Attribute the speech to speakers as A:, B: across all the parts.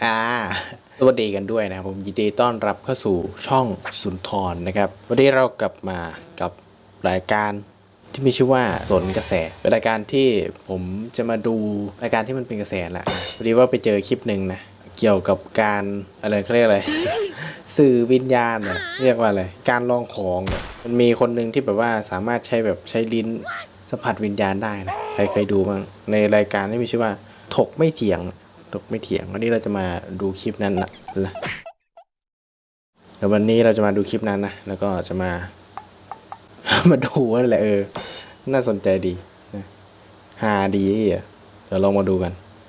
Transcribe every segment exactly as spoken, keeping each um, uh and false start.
A: อ่าสวัสดีกันด้วยนะครับผมยินดีต้อนรับเข้าสู่ช่องสุนทรนะครับวันนี้เรากลับมากับรายการที่มีชื่อว่าสนกระแสเป็นรายการที่ผมจะมาดูรายการที่มันเป็นกระแสแหละพอดีว่าไปเจอคลิปหนึ่งนะเกี่ยวกับการอะไรเขาเรียกอะไร สื่อวิญญาณเนี่ยเรียกว่าอะไรการลองของเนี่ยมันมีคนหนึ่งที่แบบว่าสามารถใช้แบบใช้ลิ้นสัมผัสวิญญาณได้นะใครเคยดูบ้างในรายการที่มีชื่อว่าถกไม่เถียงถกไม่เถียงวันนี้เราจะมาดูคลิปนั้นนะเดี๋ยววันนี้เราจะมาดูคลิปนั้นนะแล้วก็จะมา มาดูนั่นแหละเออน่าสนใจดีนะฮาดีอ่ะเดี๋ยวลองมาดูกัน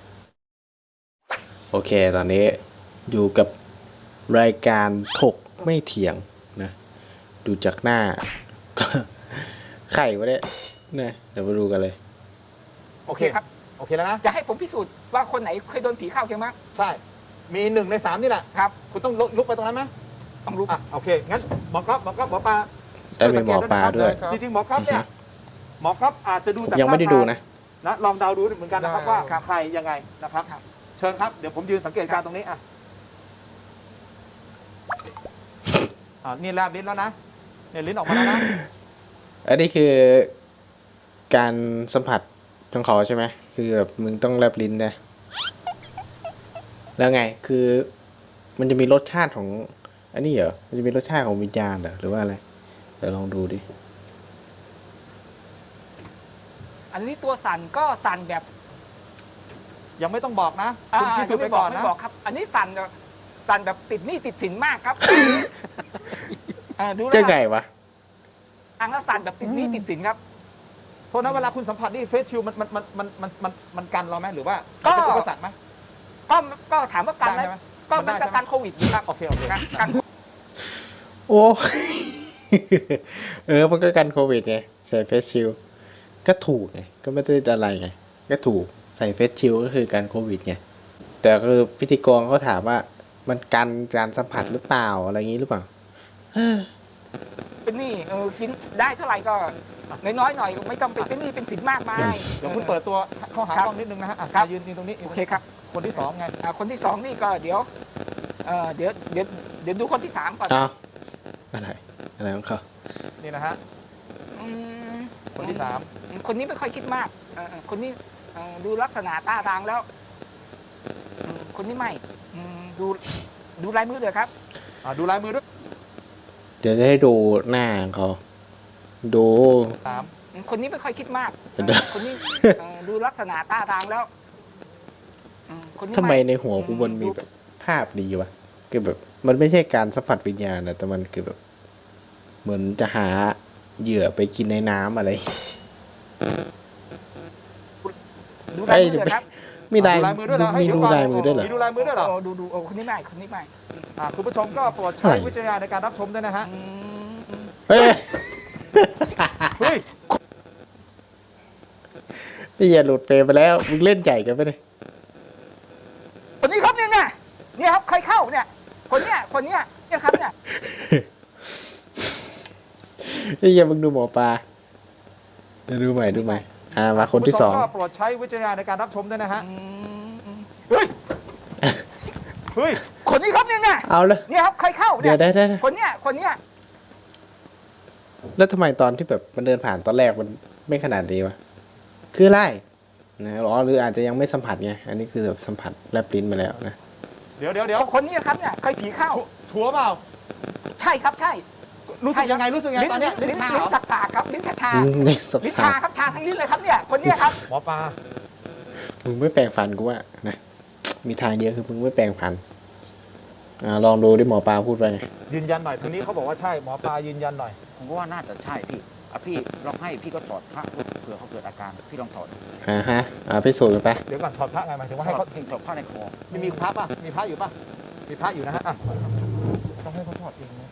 A: โอเคตอนนี้อยู่กับรายการถกไม่เถียงนะดูจากหน้า ไข่วะเนี่ยนะเดี๋ยวมาดูกันเลย
B: โอเคครับ
C: โอเคแล้วนะ
B: จะให้ผมพิสูจน์ว่าคนไหนเคยโดนผีเข้าใช่ไหม
C: ใช่ มีหนึ่งในสามนี่แหละ
B: ครับ
C: คุณต้องลุกไปตรงนั้นไหม
B: ต้องรู้
C: อ่ะโอเค งั้นหมอครับหมอครับหมอปลา
A: เอ้ยมีหมอปลาด้วย
C: จริงๆหมอครับเนี่ย หมอครับอาจจะดูจาก
A: ยังไม่ได้ดูนะ
C: นะ ลองเดาดูเหมือนกันนะครับ
B: ได้
C: ว่า
B: ครับ
C: ใครยังไงนะครับ
B: ครับ
C: เชิญครับ เดี๋ยวผมยืนสังเกตการณ์ตรงนี้อ่ะอ่านี่แลบลิ้นแล้วนะเนี่ยลิ้นออกมาแล้วนะ
A: อันนี้คือการสัมผัสของเขาใช่ไหมคือแบบมึงต้องแลบลิ้นนะแล้วไงคือมันจะมีรสชาติของอันนี้เหรอมันจะมีรสชาติของวิญญาณเหรอหรือว่าอะไรเดี๋ยวลองดูดิ
B: อันนี้ตัวสั่นก็สั่นแบบ
C: ยังไม่ต้องบอกนะ
B: อ่า
C: คุณพิสูจน์ไป
B: ไม่บ
C: ก่
B: อ
C: อก น
B: ไม่
C: นะ
B: บอกครับ อันนี้สั่นแบบสั่นแบบติดหนี้ติดสินมากครับเออดูแล้
A: จะ
B: ว
A: ไงวะ
B: ทางแล้วสั่นแบบติดหนี้ติดสินครับ
C: โทษนะเวลาคุณสัมผัสนี่เฟสชิลมันมันมันมันมันมันมันกันเราไหมหรือว่า
B: ก็
C: เป็นอุปสรรคไหม
B: ก็ก็ถามว่ากันไหม
C: ได้ไหม
B: ก็
C: มันได้
B: มันก็
C: ใช่ไหม
B: การโควิดนะครับ
C: โอเคโอเค
B: กันกัน
A: โอ้ เออมันก็กันโควิดไงใส่เฟสชิลด์ก็ถูกไงก็ไม่ได้อะไรไงก็ถูกใส่เฟสชิลด์ก็คือกันโควิดไงแต่คือพิธีกรเขาถามว่ามันกันการสัมผัสหรือเปล่าอะไรอย่างนี้หรือเปล่า
B: เป็นหนี้เออกินได้เท่าไหร่ก็น้อยๆหน่อยไม่ต้องเป็นเป็นหนี้เป็นสินมากมาย
C: เดี๋ยวคุณเปิดตัวเข้าหา
B: ครับ
C: กล้องนิดนึงนะฮะอ่ะ
B: ครับ
C: ยืนยืนตรงนี้
B: โอเคครับ
C: คนที่สองไง
B: อ่าคนที่สองนี่ก็เดี๋ยวเอ่อเดี๋ยวเดี๋ยวเดี๋ยวดูคนที่สามก่อน
A: อ้าวอะไรอะไรของเขา
C: นี่นะฮะ
B: อืม
C: คนที่สาม
B: คนนี้ไม่ค่อยคิดมากเอ่อคนนี้เอ่อดูลักษณะท่าทางแล้วอืมคนนี้ไม่อืมดูดูลายมือเลยครับ
C: อ่ะดูลายมือด้วย
A: เดี๋ยวจะให้ดูหน้าของเขาดู
C: สาม
B: อืมคนนี้ไม่ค่อยคิดมาก
A: เดี๋ยว
B: เอ่อคนนี้เอ่อดูลักษณะท่าทางแล้วอืมคนนี้
A: ทำไมในหัวกูมันมีแบบภาพดีวะคือแบบ มันไม่ใช่การสัมผัสวิญญาณนะแต่มันคือแบบ เหมือนจะหาเหยื่อไปกินในน้ำอะไร
B: ดูลายมือเลยครับ
A: มีลาย
C: ดูลายมือด้วยเหรอให้
A: มี
C: ดู
A: ดู
C: ก่อน
A: ลายมือด้วยเหรอ
C: มีดูลายมือด้วยเหรอ
B: โดูดูโอ้คนนี้ไม่คนนี้ไม่
C: อ่ะคุณผู้ชมก็โปรดใช้
A: ใช่
C: วิจารณญาณในการรับชมด้วยนะฮะ
B: อืมอืม
A: เฮ้ย
C: เฮ้ย
A: นี่อย่าหลุดเฟรมไปแล้ว มึงเล่นใหญ่กันไปเลย
B: คนนี้ครับเนี่ยไงเนี่ยครับเคยเข้าเนี่ย คนเนี้ยคนเนี้ยเนี่ยครับเนี่ย
A: นี่อย่ามึงดูหมอปลาเดี๋ยวดูใหม่ดูใหม่อ่ามาคนที่สอง
C: ณผู้ชมก็โปรดใช้วิจารณญาณในการรับชมด้วยนะฮะ
B: อืมอืมเฮ้ย
C: เฮ้ย
B: คนนี้ครับเนี่ยไง
A: เอาเลย
B: เนี่ยครับเคยเข้า
A: เดี๋
B: เนี่ย
A: วย ได้ได้
B: คนเนี้ยคนเนี้ย
A: แล้วทำไมตอนที่แบบมันเดินผ่านตอนแรกมันไม่ขนาดนี้วะ คืออะไรนะอ๋อหรืออาจจะยังไม่สัมผัสไง อันนี้คือแบบสัมผัสแลบลิ้นมาแล้วนะ
C: เดี๋ยวเดี๋ยวเดี๋ยว
B: คนนี้ครับเนี่ยเคยผีเข้า
C: ชัวร์เปล่า
B: ใช่ครับใช่
C: รู้สึกยังไงรู้สึกยังไง
B: ลิ้น
C: ตอนเนี้ย
B: ลิ้น
C: ลิ้นชา
B: ลิ้
C: เหร
B: น
C: อ
B: สักสากครับลิ้นชาชา
A: อืมนี่สับ
B: ลิ้น
A: สา
B: ชาครับชาทั้งลิ้นเลยครับเนี่ยคนเนี้ยครับ
C: หมอปลา
A: มึงไม่แปลงฟันกูว่านะ มีทางเดียวคือมึงไม่แปลงฟัน อ่าลองดูดิหมอปลาพูดไปไง
C: ยืนยันหน่อยทางนี้เขาบอกว่าใช่หมอปลายืนยันหน่อย
D: ผมก็ว่าน่าจะใช่พี่อ่ะพี่ลองให้พี่ก็ถอดพระดูเผื่อเขาเกิดอาการ พี่ลองถอด
A: อ่าฮะ อ่าพิสูจน์กันไป
C: เดี๋ยวก่อนถอดพระไงหมายถึงว่า
D: ให้
C: ให้
D: เขา
C: เขา
D: ถอดผ้าในคอ
C: มีมีพระป่ะมีพระอยู่ป่ะมีพระอยู่นะฮะอ่ะต้องให้เขาถอดเองนะ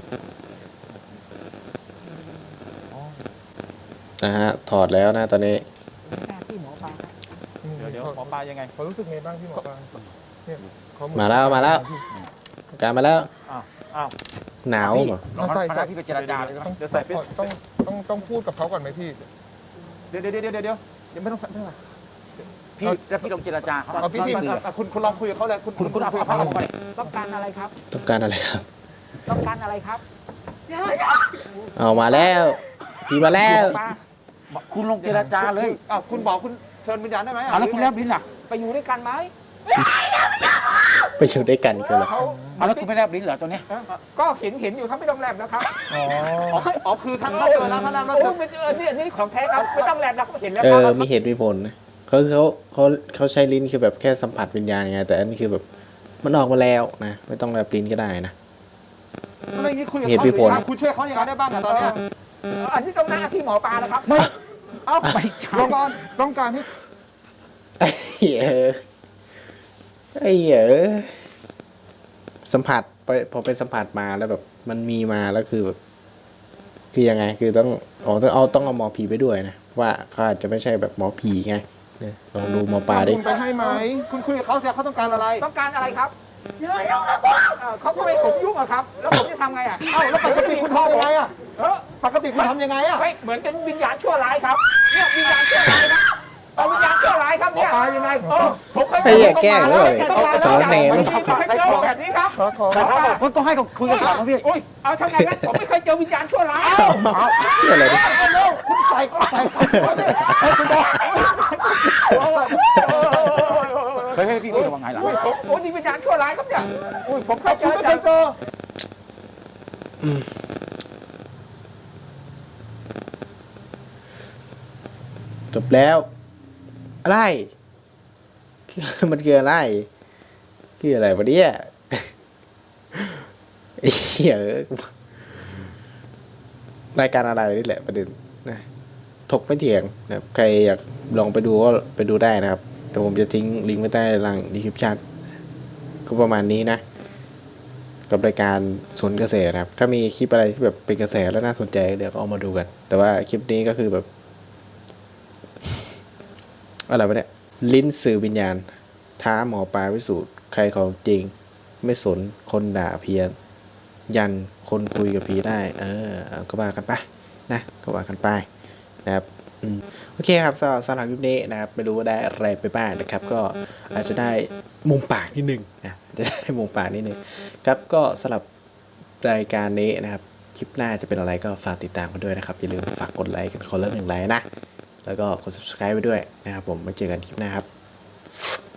C: อ๋อ
A: นะฮะ ถอดแล้วนะตอนนี้
B: หน้าที่หมอปลา
C: เดี๋ยวเดี๋ยวหมอปลายังไง
E: เขารู้สึกไงบ้างพี่หมอปลาเนี่ยเขาเหอน
A: มาแล้วมาแล้ว การมาแล้ว
C: อ้าวอ้าว
A: หนาว
D: พี่
A: เหรอ
D: ลอง
E: ใส่
D: ให้
E: ใส่
D: พี่ไปเจรจาเลยนะ
E: ต้อง
C: เดี๋ยวใส่ฟิต
E: ต้องต้องต้องพูดกับเขาก่อนไหมพี่
C: เดี๋ยวเดี๋ยวเดี๋ยวเดี๋ยวเดี๋ยวเดี๋ยวไม่ต้องใส่ไม่ต้องใส่
D: พี่แล้วพี่ลองเจรจาเขา
C: เอาพี่ที่
D: สื่อ
C: อ่ะคุณคุณลองคุยกับเขาเลยคุณ
D: คุณคุณเอาเอาผ้าออกมาเลย
B: ต้องการอะไรครับ
A: ต้องการอะไรครับ
B: ต้องการอะไรครับ
A: เอามาแล้วพี่มาแล้ว
B: ป้า
D: คุณลองเจรจาเลย
C: อ่ะคุณบอกคุณเชิญวิญญาณได้ไหม
D: เอาแล้วคุณแลบลิ้นล่ะ
B: ไปอยู่ด้วยกันไหม
A: ไปอยู่ด้วยกันคืออะไร
B: เขา
D: เอาแล้วคุณไม่แลบลิ้นเหรอตัวเนี้ย
B: ก็เห็นเห็นอยู่ครับไม่ต้องแลบนะครับ
E: อ๋อ
C: อ๋ออ๋อคือท่านถ้าเจอแล้วท่านแล้ว
B: โอ้ไม่เออนี่นี่ของแท้ครับไม่ต้องแลบนะเขาเห็นแล้ว
A: เอ
B: ค
A: อ
B: รับ
A: มีเหตุมีผลนะเขาเขาเขาเขาใช้ลิ้นคือแบบแค่สัมผัสวิญญาณไงแต่อันนี้คือแบบมันออกมาแล้วนะไม่ต้องแบบลิ้นก็ได้นะ
C: อะไรอย่างนี้คุยกับ
A: เหตุ
C: เขา
A: มีผล
C: สิคุณช่วยเขาอย่างไรได้บ้างอะตอนเนี้ย
B: เอออันนี้ต้องหน้าที่หมอปลานะครับ
D: ไม่เอาไม่ใช่
E: ต้องการต้องการให้
A: ไอ้เหี้ยไอ้เหี้ยสัมผัสไปพอเป็นสัมผัสมาแล้วแบบมันมีมาแล้วคือแบบคือยังไงคือต้องอ๋อต้องเอาต้องเอาหมอผีไปด้วยนะว่าเขาอาจจะไม่ใช่แบบหมอผีไงเนี่ยลองดูหมอปลาดิ
E: คุณไปให้ไหม
C: คุณคุยกับเขาเสียเขาต้องการอะไร
B: ต้องการอะไรครับเออเขาก็ไม่ผมยุ่งอะครับ แล้วผมจะทำไงอะ
C: เอ้าแล้วปกติคุณทำยังไงอ่ะ
B: เออ
C: ปกติคุณทำยังไงอ่ะ
B: ไม่เหมือนเป็นวิญญาณชั่วร้ายครับเนี่ยวิญญาณชั่วร้ายนะเอาวิญญาณชั่วร้ายครับเนี่ย
C: หมอปลายังไง
B: เออผมเคย
A: ไอ้เหี้ยแกล้ง
B: แล้
A: เล
B: วย ต้องมาแล้ว
A: สารแหน่
B: ไม่เคยเจอแบบนี้ครับ
E: ขอขอ
D: แต่ว่าต้องให้เขาคุยกันก่อนนะพี่
B: อุ้ยเอาทำไงครับผมไม่เคยเจอวิญญาณชั่วร้าย
A: เอาเหี้ยอะไรดิ
C: คุณใส่ใส่เขาดิให้คุณบอก
D: เฮ้ยเฮ้ยพี่พี่ระวังไงหลัง
B: อุ้ยผมโอ้นี่วิญญาณชั่วร้ายครับเนี่ยอุ้ยผมเคยเจ
C: คุณ
B: อ
C: ไม่เคยเจอ
A: อืมจบแล้ว อะไร มันคืออะไรคืออะไรวะเนี่ยไอ้เหี้ยรายการอะไรนี่แหละประเด็นนะถกไม่เถียงนะครับใครอยากลองไปดูก็ไปดูได้นะครับเดี๋ยวผมจะทิ้งลิงก์ไว้ใต้ล่างดีคริปชั่นก็ประมาณนี้นะ กับรายการสนกระแสนะครับ ถ้ามีคลิปอะไรที่แบบเป็นกระแสแล้วน่าสนใจเดี๋ยวก็เอามาดูกัน แต่ว่าคลิปนี้ก็คือแบบ อะไรวะเนี่ยลิ้นสื่อวิญญาณ ท้าหมอปลาพิสูจน์ใครของจริง ไม่สนคนด่าเพี้ยน ยันคนคุยกับผีได้ เออเอาก็ว่ากันไปนะก็ว่ากันไปนะครับอืมโอเคครับสำหรับสำหรับคลิปนี้นะครับไม่รู้ว่าได้อะไรไปบ้างนะครับ ก็อาจจะได้มุมปากนิดนึงนะจะได้มุมปากนิดนึงครับก็สำหรับรายการนี้นะครับคลิปหน้าจะเป็นอะไรก็ฝากติดตามกันด้วยนะครับอย่าลืมฝากกดไลค์กันคนละหนึ่งไลค์นะแล้วก็กด ซับสไครบ์ ไปด้วยนะครับผมไว้เจอกันคลิปหน้าครับ